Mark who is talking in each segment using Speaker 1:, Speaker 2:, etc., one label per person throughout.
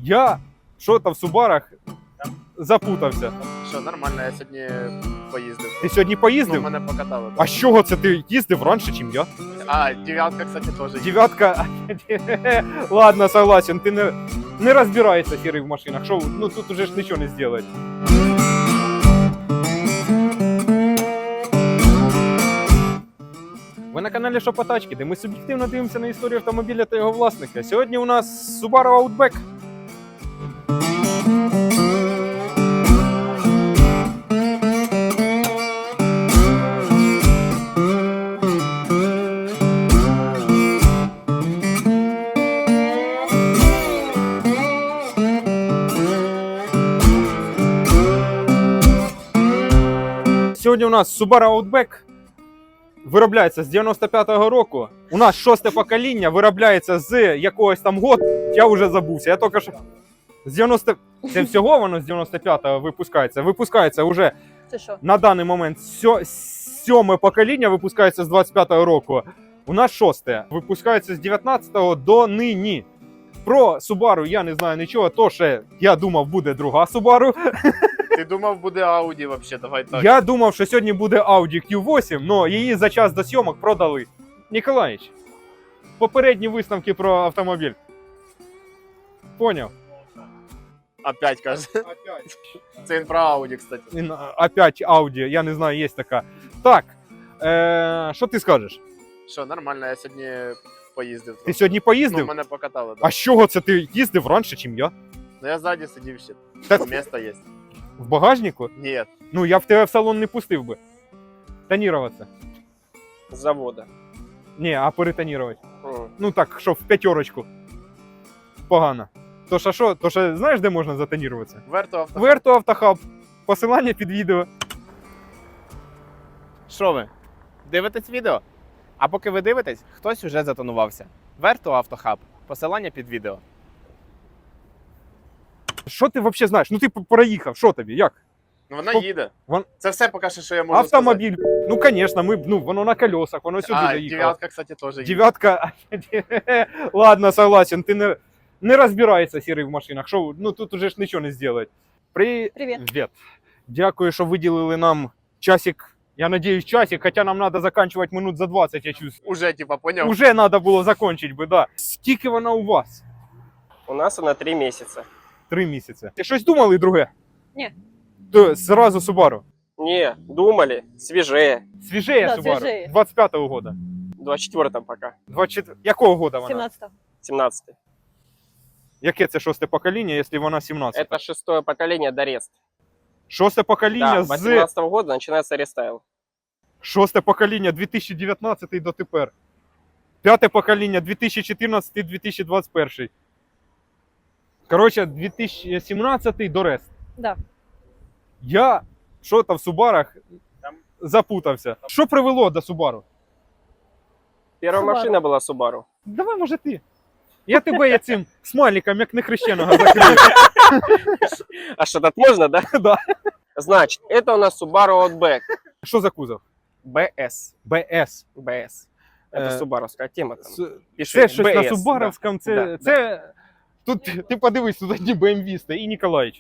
Speaker 1: Я що-то в Субарах запутався.
Speaker 2: Що, нормально, я сьогодні поїздив.
Speaker 1: Ти сьогодні
Speaker 2: Ну,
Speaker 1: поїздив?
Speaker 2: мене покатали.
Speaker 1: А з чого це ти їздив раніше, ніж я?
Speaker 2: А, дев'ятка, кстати, теж є.
Speaker 1: Дев'ятка. Ладно, согласен, ти не розбираєшся, Сірий, в машинах. Що, ну тут уже ж нічого не зробиш. Ви на каналі Шопотачки, де ми суб'єктивно дивимося на історію автомобіля та його власника. Сьогодні у нас Subaru Outback. Сьогодні у нас Subaru Outback. Виробляється з 95-го року. У нас 6-те покоління, виробляється з якогось там году. Я вже забувся. Я тільки що з 90... Це всього воно з 95-го випускається. Випускається вже
Speaker 3: Це що?
Speaker 1: на даний момент 7-ме покоління випускається з 25-го року. У нас 6-те. Випускається з 19-го до нині. Про Subaru я не знаю нічого, то ще я думав буде друга Subaru.
Speaker 2: Ти думав, буде Audi вообще, давай так.
Speaker 1: Я думав, що сьогодні буде Audi Q8, але її за час до зйомок продали. Ніколаїч, попередні висновки про автомобіль. Поняв?
Speaker 2: Опять, каже.
Speaker 1: Опять.
Speaker 2: Це він про Audi, кстати.
Speaker 1: Опять Audi, я не знаю, є така. Так, що ти скажеш?
Speaker 2: Що, нормально, я сьогодні поїздив.
Speaker 1: Ти
Speaker 2: трохи.
Speaker 1: сьогодні поїздив?
Speaker 2: Ну, мене покатали,
Speaker 1: А
Speaker 2: так.
Speaker 1: з чого це ти їздив раніше, ніж я?
Speaker 2: Ну, я ззаді сидів ще.
Speaker 1: Та-
Speaker 2: Місто є.
Speaker 1: В багажнику?
Speaker 2: Ні.
Speaker 1: Ну, я в тебе в салон не пустив би. Тоніруватися.
Speaker 4: С завода.
Speaker 1: Ні, а перетонірувати.
Speaker 4: М.
Speaker 1: Ну так, що в п'ятерочку. Погано. То що, знаєш, де можна затоніруватися?
Speaker 2: Верту авто.
Speaker 1: Верту Автохаб. Посилання під відео.
Speaker 5: Що ви? Дивитесь відео? А поки ви дивитесь, хтось уже затонувався. Верту Автохаб. Посилання під відео.
Speaker 1: Що ти взагалі знаєш? Ну ти проїхав, що тобі, як?
Speaker 2: Ну, вона
Speaker 1: По-
Speaker 2: їде.
Speaker 1: вон-
Speaker 2: Це все поки що я можу
Speaker 1: Автомобіль. Ну, звісно, воно на колесах, воно сюди
Speaker 2: сказати. А,
Speaker 1: доїхало.
Speaker 2: дев'ятка, кстати, теж є.
Speaker 1: Дев'ятка. Ладно, согласен, ти не розбираєшся, Сірий, в машинах. Що, ну тут уже ж нічого не зробити.
Speaker 3: Привіт.
Speaker 1: Привіт. Дякую, що виділили нам часик. Я надіюсь, часик, хоча нам треба закінчувати минут за 20, я чувствую.
Speaker 2: Уже, типа, поняв?
Speaker 1: Уже треба було закінчити би, да. Скільки вона у вас?
Speaker 4: У нас она 3 месяца.
Speaker 1: 3 місяці. Ти щось думали друге?
Speaker 3: Ні.
Speaker 1: То зразу Subaru.
Speaker 4: Не, думали, свежее.
Speaker 1: Свіжеє
Speaker 3: Да,
Speaker 1: Subaru.
Speaker 3: свіжеє.
Speaker 1: 25-го года.
Speaker 4: 24-м пока.
Speaker 1: 24... Якого года вона?
Speaker 3: 17-го.
Speaker 4: 17-й.
Speaker 1: Яке це 6-те покоління, якщо вона 17?
Speaker 4: Это 6-е поколение Дорест.
Speaker 1: 6-те покоління
Speaker 4: Да,
Speaker 1: з
Speaker 4: 18-го года начинается рестайл.
Speaker 1: 6-те покоління 2019 до тепер. 5-те покоління 2014-2021. Коротше, 2017 до Рест.
Speaker 3: Да.
Speaker 1: Я що-то в Субарах запутався. Що привело до Subaru?
Speaker 4: Первая
Speaker 3: Subaru.
Speaker 4: машина была Subaru.
Speaker 1: Давай, може, ти. Я тебе цим смайликом, як нехрещеного, закрию.
Speaker 4: А что, так можно, да?
Speaker 1: Да.
Speaker 4: Значит, это у нас Subaru Outback.
Speaker 1: Що за кузов?
Speaker 4: BS.
Speaker 1: BS.
Speaker 4: BS. Это субаровская тема. Там. Пиши,
Speaker 1: Це щось на
Speaker 4: BS,
Speaker 1: Субаровському, це,
Speaker 4: Да,
Speaker 1: це... Тут, ти подивись, тут одні BMW стоять і Ніколаїч.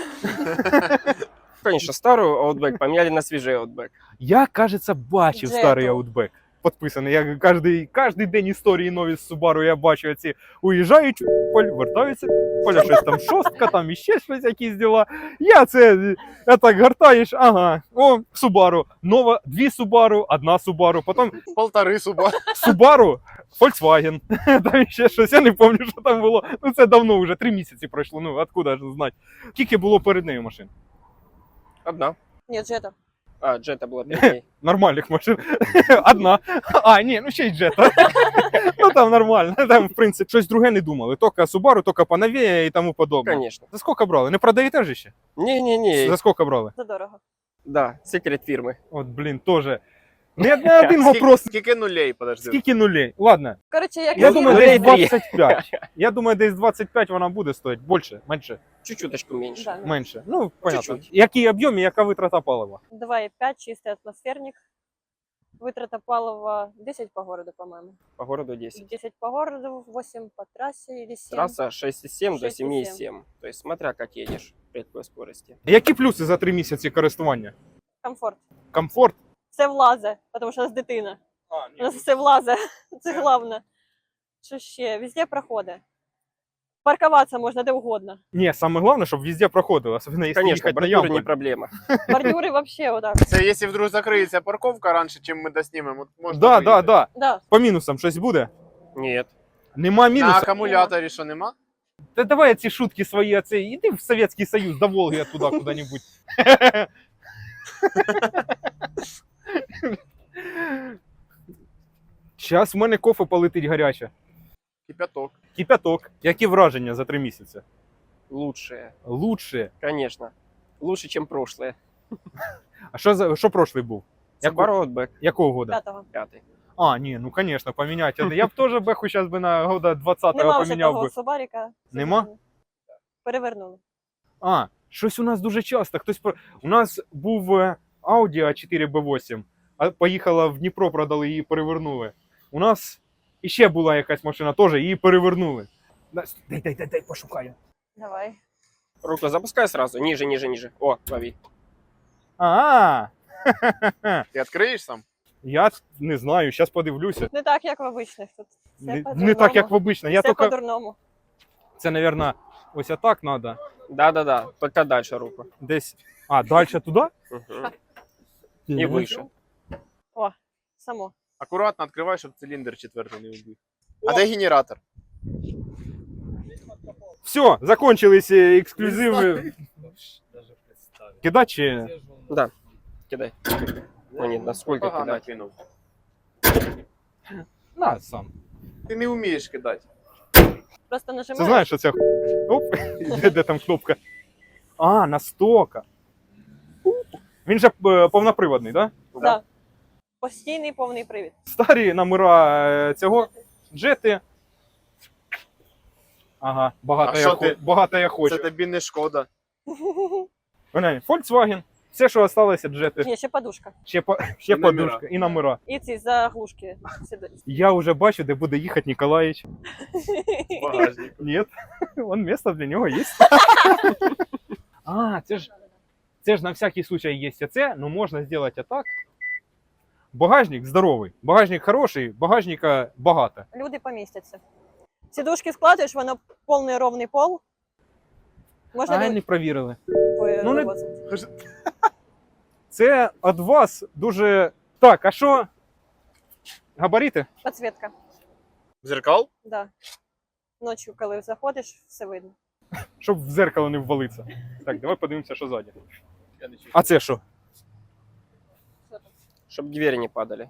Speaker 4: Конечно, старую Outback поменяли на свежий Outback.
Speaker 1: Я, кажеться, бачив
Speaker 3: Джету.
Speaker 1: старий Outback. Підписаний. Я кожний день історії нові з Subaru я бачу ці уїжджають в Поль, вертаються в Поль, щось там шостка, там іще щось якісь діла. Я так гортаєш, ага, о, Subaru, нова, 2 Subaru, 1 Subaru, потім
Speaker 2: Полтори суба.
Speaker 1: Subaru, Volkswagen, там ще щось, я не пам'ятаю, що там було. Ну це давно вже, 3 місяці пройшло, ну откуда ж знати. Скільки було перед нею машин?
Speaker 4: Одна.
Speaker 3: Ні, Джета.
Speaker 4: А, Джета была перед ней.
Speaker 1: Нормальних машин. Одна. А, ні, ну ще й Jetta. Ну там нормально. Там, в принципі, щось друге не думали. Тільки Subaru, тільки поновіє і тому подобне.
Speaker 4: Конечно.
Speaker 1: За скільки брали? Не продаєте ж ще?
Speaker 4: Не-не-не.
Speaker 1: За скільки брали?
Speaker 3: Задорого.
Speaker 4: Да, секрет фирмы.
Speaker 1: От, блін, теж. Не один вопрос.
Speaker 2: Скільки нулей, подожди.
Speaker 1: Скільки нулей? Ладно,
Speaker 3: Коротше, як
Speaker 1: я
Speaker 3: і
Speaker 1: думаю,
Speaker 4: нулей
Speaker 1: десь
Speaker 4: три.
Speaker 1: 25. Я думаю, десь 25 вона буде стоїти. Більше, менше,
Speaker 4: Чуть-чуточку меньше.
Speaker 3: Да,
Speaker 1: менше. Ну, понятно.
Speaker 4: Чуть-чуть.
Speaker 1: Який об'єм і яка витрата палива?
Speaker 3: 2,5, чистий атмосферник. Витрата палива 10 по городу, по-моему.
Speaker 4: По городу 10.
Speaker 3: 10 по городу, 8 по трассе или 7.
Speaker 4: Трасса 6,7 до
Speaker 3: 6,7.
Speaker 4: 7,7. То есть смотря как едешь при такой скорости.
Speaker 1: Які плюси за 3 місяці користування?
Speaker 3: Комфорт.
Speaker 1: Комфорт?
Speaker 3: Все влазе, тому що у нас дитина. У нас все влазе. Це головне. Що ще? Везде проходи. Паркуватися можна де угодно.
Speaker 1: Ні, саме головне, щоб везде проходило, особливо якщо
Speaker 4: Конечно,
Speaker 1: їхати на
Speaker 4: бордюры
Speaker 1: ямку.
Speaker 4: не проблема.
Speaker 3: Бордюри вообще отак.
Speaker 2: Це якщо вдруг закриється парковка раніше, чим ми доснімемо, можна
Speaker 1: Да,
Speaker 2: виїхати.
Speaker 1: да, да.
Speaker 3: Да.
Speaker 1: По мінусам щось буде?
Speaker 4: Нет.
Speaker 1: Нема
Speaker 2: На
Speaker 1: мінусів?
Speaker 2: акумуляторі що нема?
Speaker 1: Та давай ці шутки свої, оце, іди в Совєтський Союз, до Волги туди куди-небудь. Зараз в мене кофе полетить гаряче.
Speaker 2: Кипяток.
Speaker 1: Кипяток. Які враження за 3 місяці?
Speaker 4: Лучшее.
Speaker 1: Лучше.
Speaker 4: Конечно. Лучше, чем прошлое.
Speaker 1: А що прошлий був?
Speaker 4: Subaru Outback
Speaker 1: Якого года?
Speaker 3: 5-го.
Speaker 4: 5.
Speaker 1: А, ні, ну конечно, поміняти. Я б теж беху зараз би на года 20-го
Speaker 3: Нема вже
Speaker 1: поміняв
Speaker 3: того
Speaker 1: би.
Speaker 3: Субаріка.
Speaker 1: Нема?
Speaker 3: Перевернули.
Speaker 1: А, щось у нас дуже часто. У нас був Audi A4 B8, а поїхала в Дніпро, продали, її перевернули. У нас іще була якась машина, теж її перевернули. Дай, пошукаю.
Speaker 3: Давай.
Speaker 4: Руку запускай сразу. Ниже, ниже, ниже. О, лови.
Speaker 1: А,
Speaker 2: Ти відкриєш сам?
Speaker 1: я не знаю, зараз подивлюся.
Speaker 3: Не так, як в обичних тут. Все
Speaker 1: Не
Speaker 3: по-дурному.
Speaker 1: так, як в обично. Я
Speaker 3: Все
Speaker 1: тільки,
Speaker 3: по-дурному.
Speaker 1: це, мабуть, ось так треба.
Speaker 4: Да-да-да. Только дальше руку.
Speaker 1: Десь. А, далі туди?
Speaker 4: Мгм. И выше.
Speaker 3: Само.
Speaker 2: Акуратно відкривай, щоб циліндр четвертий не вбив. А де генератор?
Speaker 1: Все, закончились ексклюзиви. Кидать чи...
Speaker 4: Да. Кидай. Ну нет, насколько
Speaker 2: Погано
Speaker 4: кидать?
Speaker 2: кинув.
Speaker 1: На, сам.
Speaker 2: Ти не вмієш кидати.
Speaker 3: Просто
Speaker 1: Це
Speaker 3: нажимаєш.
Speaker 1: знаєш, що це оп, де там кнопка? А, настока. Він же повноприводний, так? Да?
Speaker 3: Да. Постійний повний привід.
Speaker 1: Старі номера цього джети. Ага,
Speaker 2: А що ти?
Speaker 1: багато я
Speaker 2: Це
Speaker 1: хочу.
Speaker 2: тобі не шкода.
Speaker 1: Volkswagen. Все, що залишилося, джети.
Speaker 3: Є ще подушка.
Speaker 1: Ще
Speaker 2: І номера.
Speaker 1: подушка і номера.
Speaker 3: І ці заглушки. сидять.
Speaker 1: Я вже бачу, де буде їхати Ніколаїч.
Speaker 2: Багажник.
Speaker 1: Нет, вон место для нього є. А, це ж на всякий случай є це, но можна зробити так. Багажник здоровий, багажник хороший, багажника багато.
Speaker 3: Люди помістяться. Сідушки складуєш, воно повний ровний пол. Можна
Speaker 1: А, не провірили. ну, не-
Speaker 3: вивозити.
Speaker 1: Це від вас дуже... Так, а що? Габарити?
Speaker 3: Підсвітка.
Speaker 2: Зеркал?
Speaker 3: Да. Ночі, коли заходиш, все видно.
Speaker 1: Щоб в зеркало не ввалитися. Так, давай подивимося, що ззаді. А це що?
Speaker 4: Чтобы двери не падали.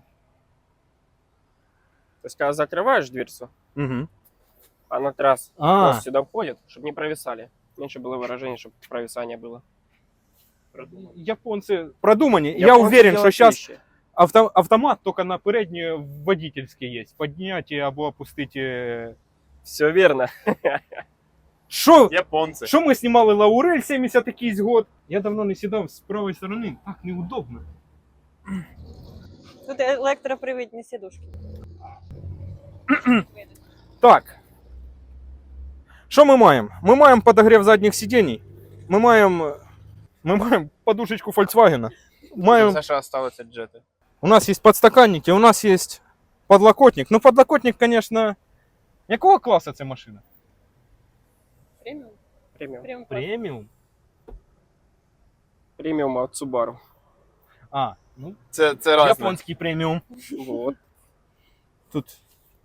Speaker 4: То есть, когда закрываешь дверцу,
Speaker 1: Угу.
Speaker 4: она раз
Speaker 1: А,
Speaker 4: сюда входит, чтобы не провисали. Меньше было выражение, чтобы провисание было.
Speaker 1: японці продумані. Я
Speaker 4: Японцы
Speaker 1: уверен, що
Speaker 4: делают
Speaker 1: зараз
Speaker 4: вещи.
Speaker 1: автомат тільки на передній водительській є. Підняти або опустити.
Speaker 4: Все верно.
Speaker 1: Що?
Speaker 2: Японці.
Speaker 1: Що ми знімали Лаурель 70 якийсь год? Я давно не сідав з правої сторони. Так неудобно.
Speaker 3: Тут електропривідні сідушки.
Speaker 1: Так. Що ми маємо? Ми маємо подогрів задніх сидінь. Ми маємо подушечку Volkswagen. Маємо...
Speaker 2: Це що осталося джети.
Speaker 1: У нас є подстаканники, у нас є подлокотник. Ну, подлокотник, конечно... Якого класу це машина?
Speaker 3: Преміум.
Speaker 4: Премиум.
Speaker 3: Преміум.
Speaker 1: Преміум.
Speaker 4: Премиум от Subaru.
Speaker 1: А, ну,
Speaker 2: Це разне.
Speaker 1: японський преміум.
Speaker 4: Вот.
Speaker 1: Тут.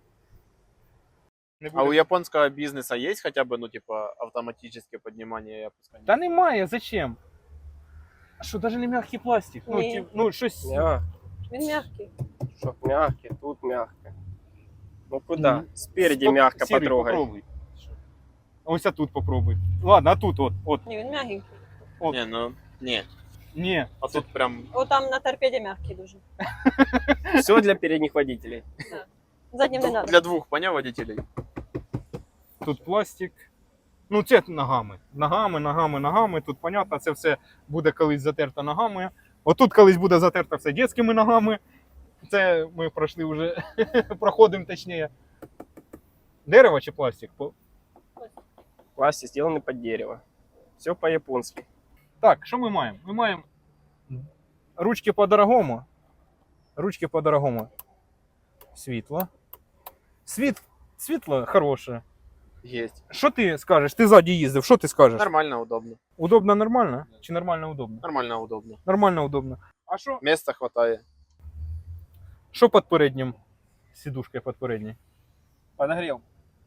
Speaker 2: А у японського бізнесу є хоча б, ну, типа, автоматичне піднімання і опускання?
Speaker 1: Та немає, зачем? А що, навіть не м'який пластик? Ну,
Speaker 3: Ні.
Speaker 1: ну щось...
Speaker 3: Він м'який.
Speaker 4: Чтоб мягкий, тут мягко. Ну куда?
Speaker 1: Мгм.
Speaker 4: Спереди мягко
Speaker 1: Сірий,
Speaker 4: потрогай.
Speaker 1: попробуй. Ось а тут попробуй. Ладно, а тут от.
Speaker 3: Ні, він м'ягенький.
Speaker 2: Ні, ну, ні.
Speaker 1: Ні.
Speaker 2: А тут прям
Speaker 3: О, там на торпеді м'який дуже.
Speaker 4: Все для передних водителей.
Speaker 3: Заднім не треба.
Speaker 2: для двох, поняв, водителей?
Speaker 1: Тут пластик. Ну, це ногами. Ногами. Тут, понятно, це все буде колись затерто ногами. Отут колись буде затерто все дитячими ногами. Це ми пройшли вже, проходимо точніше. Дерево чи пластик?
Speaker 4: Пластик сделанный под дерево. Все по-японски.
Speaker 1: Так, що ми маємо? Ми маємо ручки по-дорогому. Ручки по-дорогому. Світло. Світло хороше.
Speaker 2: Есть.
Speaker 1: Що ти скажеш? Ти ззаді їздив, що ти скажеш?
Speaker 2: Нормально, удобно.
Speaker 1: Удобно нормально? Чи нормально удобно?
Speaker 2: Нормально, удобно.
Speaker 1: Нормально удобно. А що?
Speaker 2: Места хватает.
Speaker 1: Що під переднім? Сідушкою під передній?
Speaker 4: Подогрел.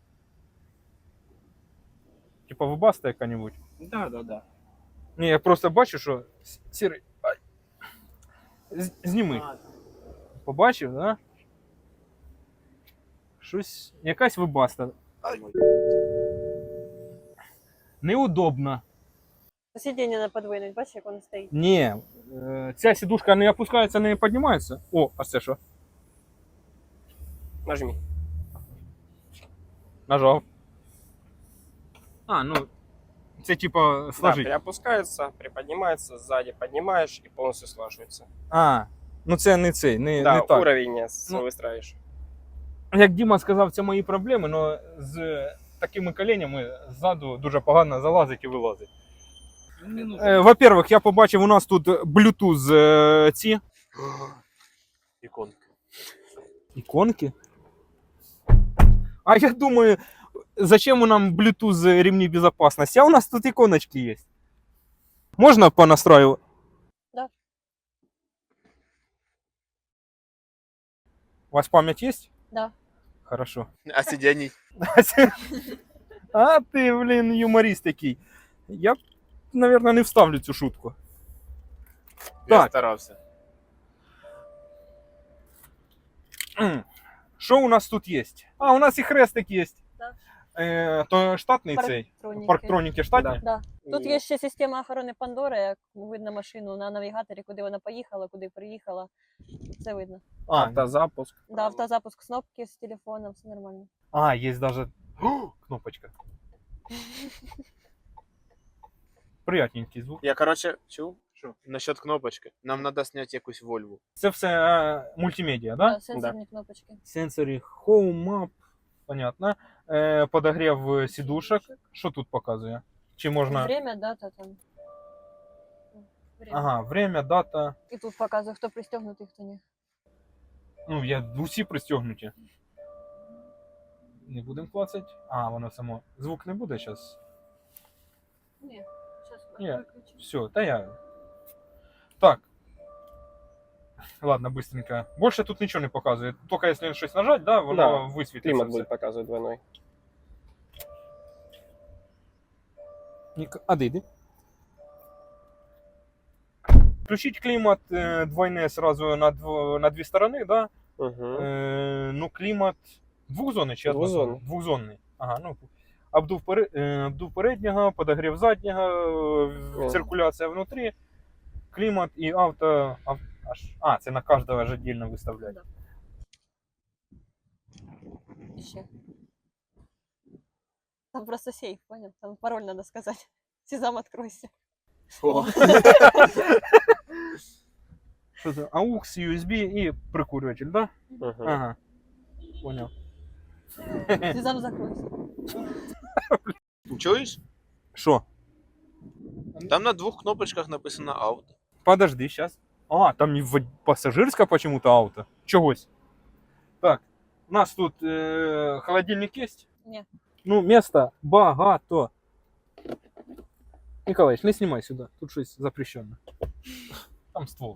Speaker 1: Типа вибаста яка-небудь?
Speaker 4: Да.
Speaker 1: Ні, я просто бачу, що сірий. Ай. Зніми. Побачив, да? Щось. Якась вибаста. Неудобно.
Speaker 3: Сидіння не подвинуть, бачиш, як воно стоїть.
Speaker 1: Ні. Ця сідушка не опускається, не піднімається. О, а це що?
Speaker 4: Нажми.
Speaker 1: Нажав. А, ну. Це типа
Speaker 4: Да,
Speaker 1: сложить.
Speaker 4: приопускается, приподнимается, сзади поднимаешь и полностью слаживается.
Speaker 1: А, ну це не цей, не,
Speaker 4: Да,
Speaker 1: не так.
Speaker 4: уровень
Speaker 1: Ну,
Speaker 4: выстраиваешь.
Speaker 1: Як Діма сказав, це мої проблеми, але з такими коленями ззаду дуже погано залазить і вилазить. Во-первых, я побачив, у нас тут Bluetooth ці
Speaker 2: Иконка.
Speaker 1: іконки. А я думаю, зачем нам Bluetooth ремни безопасности? А у нас тут иконочки есть. Можно понастраивать?
Speaker 3: Да.
Speaker 1: У вас память есть?
Speaker 3: Да.
Speaker 1: Хорошо.
Speaker 2: А сидений?
Speaker 1: А ты, блин, юморист такий. Я, наверное, не вставлю цю шутку.
Speaker 2: Я
Speaker 1: Так.
Speaker 2: старался.
Speaker 1: Що у нас тут є? А, у нас і хрестик є.
Speaker 3: Да.
Speaker 1: То штатний цей.
Speaker 3: Парктроніки.
Speaker 1: Парктроніки штатні?
Speaker 3: Да. Тут є ще система охорони Пандори, як видно машину на навігаторі, куди вона поїхала, куди приїхала. Це видно.
Speaker 1: А,
Speaker 4: Автозапуск.
Speaker 3: Да, автозапуск кнопки з телефоном, все нормально.
Speaker 1: є даже кнопочка. Приятненький звук.
Speaker 2: Я, короче, чув?
Speaker 1: Що?
Speaker 2: Насчет кнопочки. Нам надо снять якусь Вольву.
Speaker 1: Це все мультимедіа, да?
Speaker 3: Да, сенсорні кнопочки.
Speaker 1: Сенсорі Home Map, понятно. Подогрів сідушок. Що тут показує? Чи можна.
Speaker 3: Время, дата там. Время.
Speaker 1: Ага, время, дата.
Speaker 3: І тут показує, хто пристегнутий, хто ні.
Speaker 1: Ну, усі пристегнуті. Не будемо клацати. А, воно само. Звук не буде зараз.
Speaker 3: Ні, зараз
Speaker 1: Ні.
Speaker 3: виключу.
Speaker 1: Все, та я. Так. Ладно, быстренько. Больше тут нічого не показує. Тільки якщо щось нажать, да, воно
Speaker 4: Да,
Speaker 1: висвітлиться.
Speaker 4: Климат
Speaker 1: все.
Speaker 4: будет показывать двойной.
Speaker 1: А де йди? Включить клімат двойне сразу на дві сторони, да?
Speaker 4: Угу.
Speaker 1: Ну, клімат двохзонний чи однозонний?
Speaker 4: Двозонний.
Speaker 1: Двохзонний. Ага, ну. Обдув переднього, подогрів заднього, циркуляція внутрі, клімат і авто. А, це на кожного ж віддільно виставляють.
Speaker 3: Да. І ще. Там просто сейф, понял? Там пароль надо сказать. Сезам, откройся.
Speaker 2: О.
Speaker 1: Що це? AUX, USB і прикурюватель, да?
Speaker 4: Угу.
Speaker 1: Ага. Понял.
Speaker 3: Сезам, закройся.
Speaker 2: Чуєш?
Speaker 1: Що?
Speaker 2: Там на двух кнопочках написано ауто.
Speaker 1: Подожди, сейчас. А, там не пассажирское почему-то авто. Чогось. Так, у нас тут холодильник есть?
Speaker 3: Ні.
Speaker 1: Ну, места багато. Николаевич, не снимай сюда. Тут щось запрещено. Там ствол.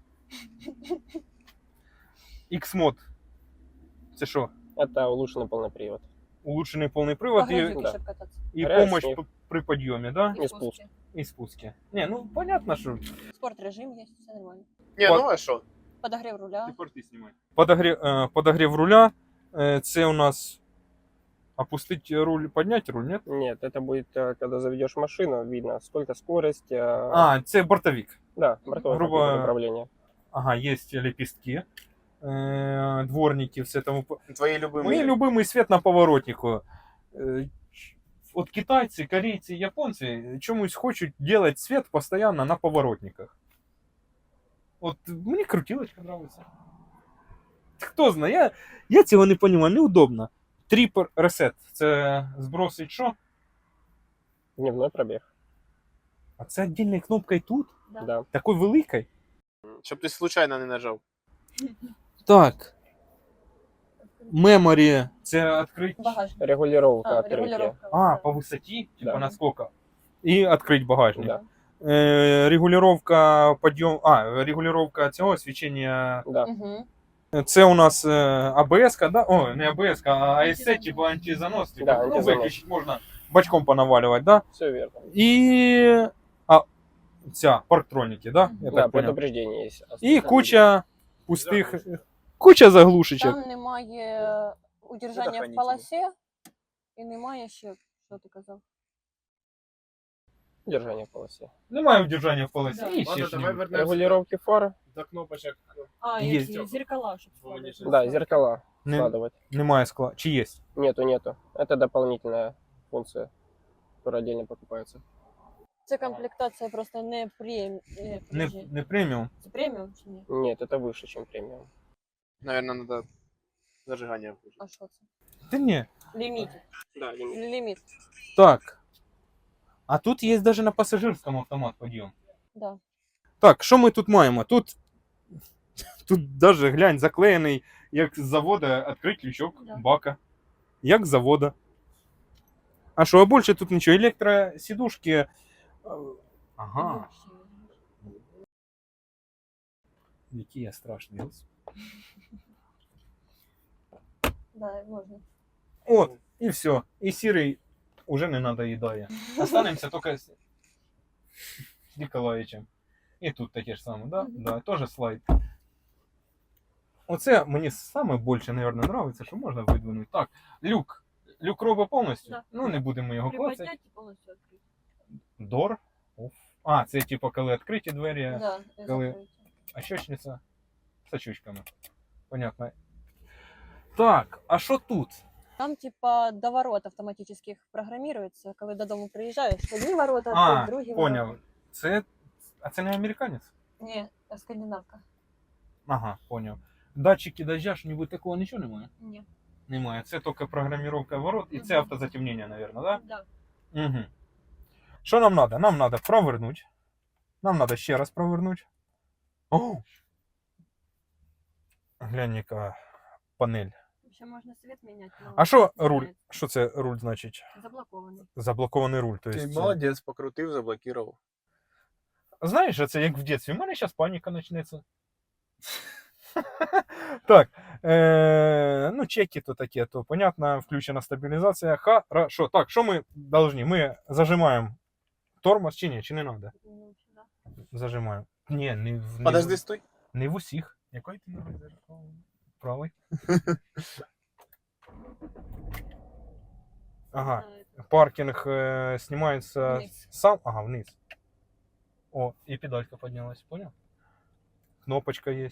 Speaker 1: X-мод. Це що?
Speaker 4: Это улучшенный полный привод.
Speaker 1: Улучшений повний привод
Speaker 3: Багажник,
Speaker 4: да.
Speaker 3: щоб кататися.
Speaker 1: і
Speaker 4: Гараж,
Speaker 1: помощь
Speaker 4: ні.
Speaker 1: при підйомі, да?
Speaker 4: І спуск.
Speaker 1: І спуске. Не, ну понятно, що.
Speaker 3: Спорт режим є, все нормально.
Speaker 2: Не, ну а що?
Speaker 3: Подогрів руля.
Speaker 1: порти знімай. Подогрів руля. Це у нас опустить руль, поднять руль, нет?
Speaker 4: Нет, это будет, когда заведешь машину, видно, сколько скорость.
Speaker 1: А, це бортовик.
Speaker 4: Да, бортовое
Speaker 1: грубо-
Speaker 4: компьютерное управление.
Speaker 1: Ага, есть лепестки, дворники, все тому.
Speaker 2: Твої любимі.
Speaker 1: Мой любимый свет на поворотнику. Вот китайцы, корейцы, японцы чомусь хочуть делать свет постоянно на поворотниках. Вот мне крутилочка нравится. Хто знає, я цього не розумію, неудобно. Тріпер ресет. Це збросить що?
Speaker 4: Дневной пробег.
Speaker 1: А це віддільною кнопкою тут?
Speaker 4: Да.
Speaker 1: Такою великою?
Speaker 2: Щоб ти случайно не нажав.
Speaker 1: Так. Меморі це відкрити.
Speaker 3: Багажник.
Speaker 4: Регулировка
Speaker 3: А,
Speaker 4: открытия.
Speaker 3: регулировка.
Speaker 1: А, по висоті, типа
Speaker 4: Да.
Speaker 1: наскільки? І відкрити багажник.
Speaker 4: Да.
Speaker 1: Регулировка подйом. Регулировка цього свічення.
Speaker 4: Да.
Speaker 3: Угу.
Speaker 1: Це у нас АБС, да? О, не АБС, а АСЦ, типа антизанос. Типа,
Speaker 4: Да, антизанос.
Speaker 1: виключити можна бачком понавалювати, да?
Speaker 4: Все верно.
Speaker 1: І ця парктроніки, да? Я
Speaker 4: Да,
Speaker 1: так понял.
Speaker 4: предупреждение есть.
Speaker 1: І куча пустих, куча заглушечок.
Speaker 3: Там немає удержання в
Speaker 2: Предохранителі.
Speaker 3: полосі і немає ще, що ти казав.
Speaker 4: Держание в полосе.
Speaker 1: Немає удержання в полосі.
Speaker 3: Да.
Speaker 1: І ще
Speaker 2: Ладно,
Speaker 1: ж
Speaker 2: давай
Speaker 1: не-
Speaker 2: вернемося
Speaker 4: Регулировки фар.
Speaker 2: до кнопочок.
Speaker 3: А,
Speaker 1: Є.
Speaker 3: які зеркала, щоб
Speaker 2: Бо мені
Speaker 3: складати.
Speaker 4: Да, зеркала
Speaker 1: не,
Speaker 4: складывать.
Speaker 1: немає скла. Чи є?
Speaker 4: Нету. Это дополнительная функция, которая отдельно покупается.
Speaker 3: Це комплектація просто не
Speaker 1: Не,
Speaker 3: подожди.
Speaker 1: не преміум.
Speaker 3: Це преміум чи ні?
Speaker 4: Нет, это выше, чем премиум.
Speaker 2: Наверное, надо зажигання включити.
Speaker 3: А що це?
Speaker 1: Та ні.
Speaker 3: Ліміт.
Speaker 4: Да, лимит.
Speaker 3: Ліміт.
Speaker 1: Так. А тут є навіть на пасажирському автомат підйом.
Speaker 3: Да.
Speaker 1: Так, що ми тут маємо? Тут навіть, глянь, заклеєний, як з завода, відкрити лючок
Speaker 3: Да.
Speaker 1: бака. Як з завода. А що, а більше тут нічого. Електросідушки. Ага. Який я страшний.
Speaker 3: Да, можна.
Speaker 1: От, і все. І сірий уже не надоїдає. Останемося тільки з Ніколаєвичем. І тут таке ж саме, да?
Speaker 3: Мгм.
Speaker 1: Да, теж слайд. Оце мені саме більше, мабуть, подобається, що можна видвинути. Так, люк. Люк робить повністю.
Speaker 3: Да.
Speaker 1: Ну, не будемо його клацати.
Speaker 3: Приподняти і повністю відкрити.
Speaker 1: Дор. Оф. А, це типу, коли відкриті двері,
Speaker 3: Да, і
Speaker 1: коли-
Speaker 3: закрити.
Speaker 1: а щочниця з очучками. Понятно. Так, а що тут?
Speaker 3: Там, типа, доворот автоматических програмируется, коли додому приїжджаєш, одні ворота,
Speaker 1: А,
Speaker 3: другі
Speaker 1: поняв.
Speaker 3: ворота.
Speaker 1: Це. А це не американець?
Speaker 3: Ні, це скандинавка.
Speaker 1: Ага, поняв. Датчики дождя, що-нибудь такого нічого немає?
Speaker 3: Ні.
Speaker 1: Немає. Це тільки програміровка ворот і це
Speaker 3: Мгм.
Speaker 1: автозатемнення, мабуть, да?
Speaker 3: Да.
Speaker 1: Угу. Що нам треба? Нам треба провернути. Нам треба ще раз провернути. О! Глянь, яка панель.
Speaker 3: Ще можна світ міняти. но
Speaker 1: А що
Speaker 3: не
Speaker 1: руль?
Speaker 3: знаю,
Speaker 1: Що це руль значить?
Speaker 3: Заблокований.
Speaker 1: Заблокований руль. То
Speaker 2: Ти
Speaker 1: есть,
Speaker 2: молодець, покрутив, заблокував.
Speaker 1: знаєш, це як в дитинстві. У мене зараз паніка почнеться. Так, ну чеки то таке, то понятно, включена стабілізація. Хорошо. Так, що ми должны? Ми зажимаємо тормоз чи ні, чи не треба?
Speaker 3: Ну, да.
Speaker 1: Зажимаємо. Ні,
Speaker 2: Подожди, стой.
Speaker 1: не в усіх.
Speaker 2: Який ти ногою зажав?
Speaker 1: Правий. Ага.
Speaker 3: А,
Speaker 1: Паркінг знімається
Speaker 3: Вниз.
Speaker 1: сам. Ага, вниз. О, і педалька піднялась, понял? Кнопочка є.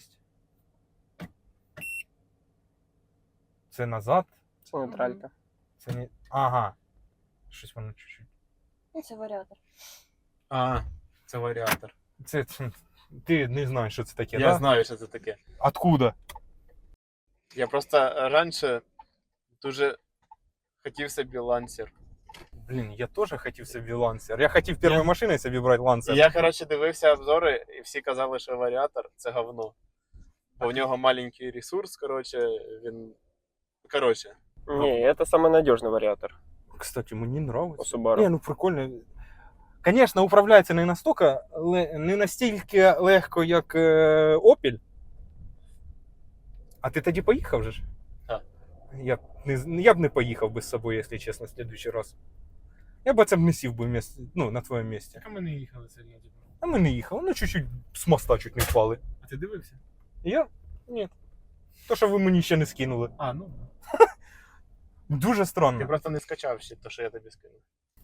Speaker 1: Це назад.
Speaker 4: Це нейтралька.
Speaker 1: Це не. Ага. Щось воно чуть-чуть.
Speaker 3: Ну, це варіатор.
Speaker 2: А, це варіатор.
Speaker 1: Це ти не знаєш, що це таке,
Speaker 2: Я
Speaker 1: да?
Speaker 2: знаю, що це таке.
Speaker 1: Откуда?
Speaker 2: Я просто раніше дуже хотів собі лансер.
Speaker 1: Блін, я теж хотів собі лансер. Я хотів першою машиною собі брати
Speaker 2: І
Speaker 1: лансер.
Speaker 2: я, коротше, дивився обзори, і всі казали, що варіатор це говно. Бо в нього маленький ресурс, коротше, він. Коротше.
Speaker 4: Не, это самый надежный вариатор
Speaker 1: Кстати, мені
Speaker 4: у
Speaker 1: нравится.
Speaker 4: Subaru.
Speaker 1: Не, ну прикольно. Звісно, управляється не настільки, не настільки легко, як Opel. А ти тоді поїхав же ж?
Speaker 2: Так.
Speaker 1: Я б не поїхав би з собою, якщо чесно, в следующий раз. Я б це б не сів би на твоєму місці.
Speaker 2: А ми не їхали сьогодні.
Speaker 1: А ми не їхали, ну чуть-чуть з моста чуть не впали.
Speaker 2: А ти дивився?
Speaker 1: Я? Ні. То, що ви мені ще не скинули.
Speaker 2: А, ну.
Speaker 1: Дуже
Speaker 2: Ти
Speaker 1: странно.
Speaker 2: просто не скачав ще те, що я тобі скинув.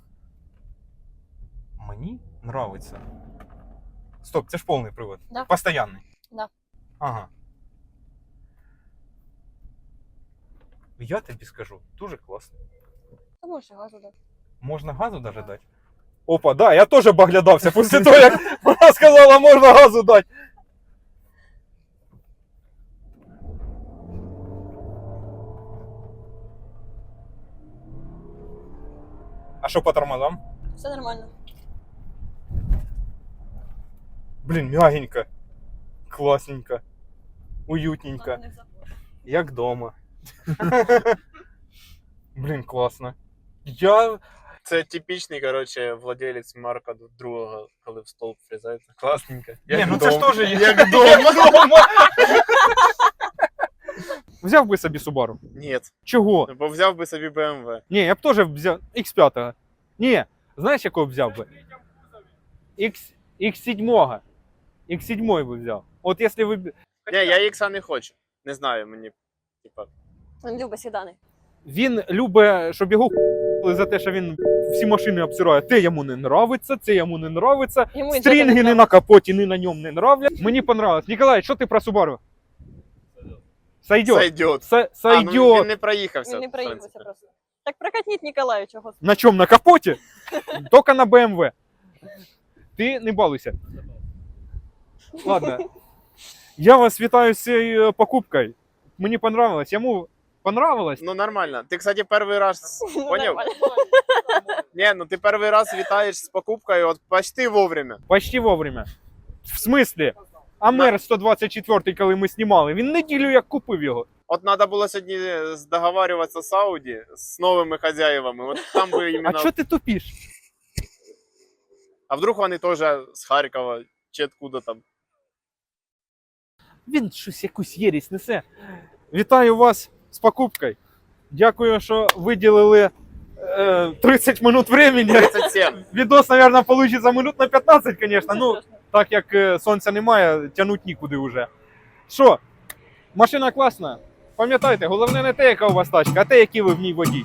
Speaker 1: Мені нравиться. Стоп, це ж повний привод.
Speaker 3: Да.
Speaker 1: Постоянний.
Speaker 3: Да.
Speaker 1: Ага. Я тобі скажу, дуже класно.
Speaker 3: Ти можеш і газу дати.
Speaker 1: Можна газу даже дати? Опа, да, я теж поглядався після того, як вона сказала, можна газу дати. А що по тормозам?
Speaker 3: Все нормально.
Speaker 1: Блін, мягенько. Класненько. Уютненько. Як дома. Блін, класно.
Speaker 2: Це типічний, коротше, владелець Марка другого, коли в столб врізається. Класненько.
Speaker 1: Ні, ну це ж теж є.
Speaker 2: Як дома.
Speaker 1: Взяв би собі Subaru.
Speaker 2: Ні,
Speaker 1: Чого?
Speaker 2: бо взяв би собі BMW.
Speaker 1: Ні, я б теж взяв X5. Ні, знаєш, якого б взяв би? X7. X7 би взяв. От якщо ви...
Speaker 2: Ні, я Ікса не хочу. Не знаю, мені, типа.
Speaker 3: Він любить сідани.
Speaker 1: Він любить, щоб його за те, що він всі машини обсирає. Те йому не нравиться, це йому не нравиться.
Speaker 3: Йому іншого
Speaker 1: Стрінги
Speaker 3: не
Speaker 1: не на капоті, ні на ньому не нравлять. Мені понравилось. Ніколай, що ти про Subaru? Сойдет.
Speaker 2: Сойдет.
Speaker 1: Сойдет.
Speaker 2: Ну, він не проїхався.
Speaker 3: Він не
Speaker 2: в
Speaker 3: проїхався
Speaker 2: принципі.
Speaker 3: просто. Так прокатніть Ніколаю чого.
Speaker 1: На чому? На капоті? Тільки на BMW. Ти не балуйся. Ладно. Я вас вітаю з цією покупкою. Мені понравилось. Йому понравилось.
Speaker 2: Ну нормально. Ти, кстати, перший раз
Speaker 3: Ну,
Speaker 2: поняв?
Speaker 3: нормально.
Speaker 2: Ні, ну ти перший раз вітаєш з покупкою, от почти вовремя.
Speaker 1: Почти вовремя. В смислі? Амер 124, коли ми знімали, він неділю як купив його.
Speaker 2: От треба було сьогодні договарюватися з Ауді, з новими хазяївами. От там би
Speaker 1: А
Speaker 2: іменно...
Speaker 1: що ти тупиш?
Speaker 2: А вдруг вони теж з Харкова чи откуда там.
Speaker 1: Він щось якусь єрість несе. Вітаю вас з покупкою. Дякую, що виділили 30 минут времени.
Speaker 2: 37.
Speaker 1: Відос, мабуть, вийде минут на 15, звісно. Ну, так як сонця немає, тягнуть нікуди вже. Що, машина класна. Пам'ятайте, головне не те, яка у вас тачка, а те, який ви в ній водій.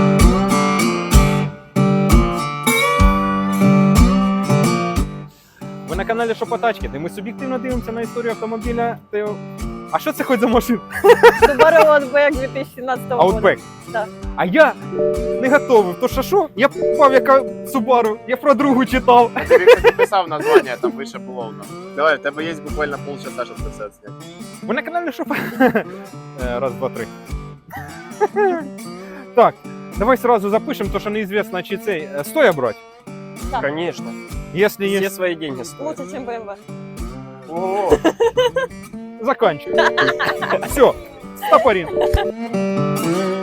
Speaker 1: Ви на каналі Шопотачки, де ми суб'єктивно дивимося на історію автомобіля. А що це хоч за машина?
Speaker 3: Subaru Outback 2017 року.
Speaker 1: Outback.
Speaker 3: Да.
Speaker 1: А я не готовий. То що? Я попав, яка Subaru, я про другу читав.
Speaker 2: Я тобі кстати, писав названня, там вище було воно. Давай, в тебе є буквально полчаса, щоб це все зняти.
Speaker 1: Ви на каналі Шопа. Раз, два, три. Так, давай сразу запишемо, то що неізвісно, чи цей стоя брать.
Speaker 4: Конечно.
Speaker 1: Если
Speaker 4: Все
Speaker 1: есть,
Speaker 4: свои деньги стоят.
Speaker 3: Лучше, ніж BMW.
Speaker 4: О,
Speaker 1: заканчивай. Все, стопорин.